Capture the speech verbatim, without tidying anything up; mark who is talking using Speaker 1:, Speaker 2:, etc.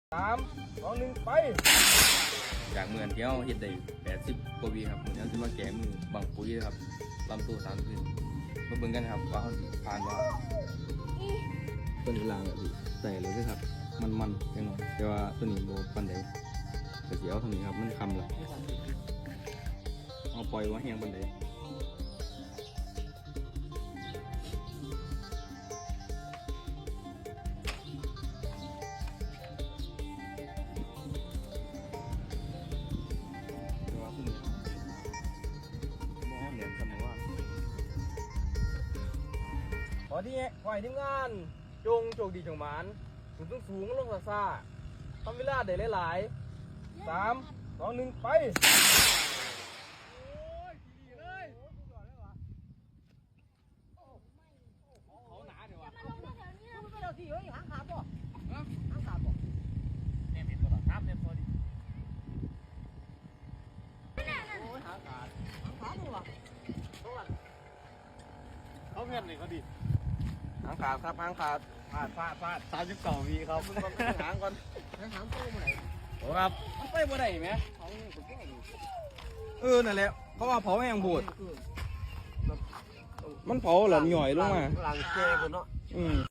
Speaker 1: สามสองหนึ่งไป
Speaker 2: จากเมือนที่เขาเห็ดได้แปดสิบกว่าวีครับเหมือนเขาจะมาแก้มือบังปุ๋ยครับลำตัวสามขึ้นมาเบิ่งกันครับว่าเขาผ่านว่าตัวนี้ลางแบบใส่เลยครับมันมันจังหวะแต่ว่าตัวนี้โบปันใดแต่เสียวตรงนี้ครับมันคำละเอาปล่อยว่าแห้งปันใด
Speaker 1: ขอที่ขอให้ทีมงานจงโชคดีจงหมานสูงสูงลงซาซาทำเวลาได้หลายๆสามสองหนึ่งไป
Speaker 3: เขาเงินเลยเขาดิ
Speaker 1: หางขาดครับหางขาด
Speaker 3: พลาดพลาดพลาดสามสิบสองวีครับ
Speaker 1: หางก่อน
Speaker 3: หางตัวไหน
Speaker 1: โอ้ครับ
Speaker 3: มันไปบ่ได้ไหม
Speaker 1: เออนั่นแหละเขาว่าเผาแห้งบูดมันเผาหล่อนหย่อยลงมา
Speaker 3: หลังเจกันเนาะ
Speaker 1: อืม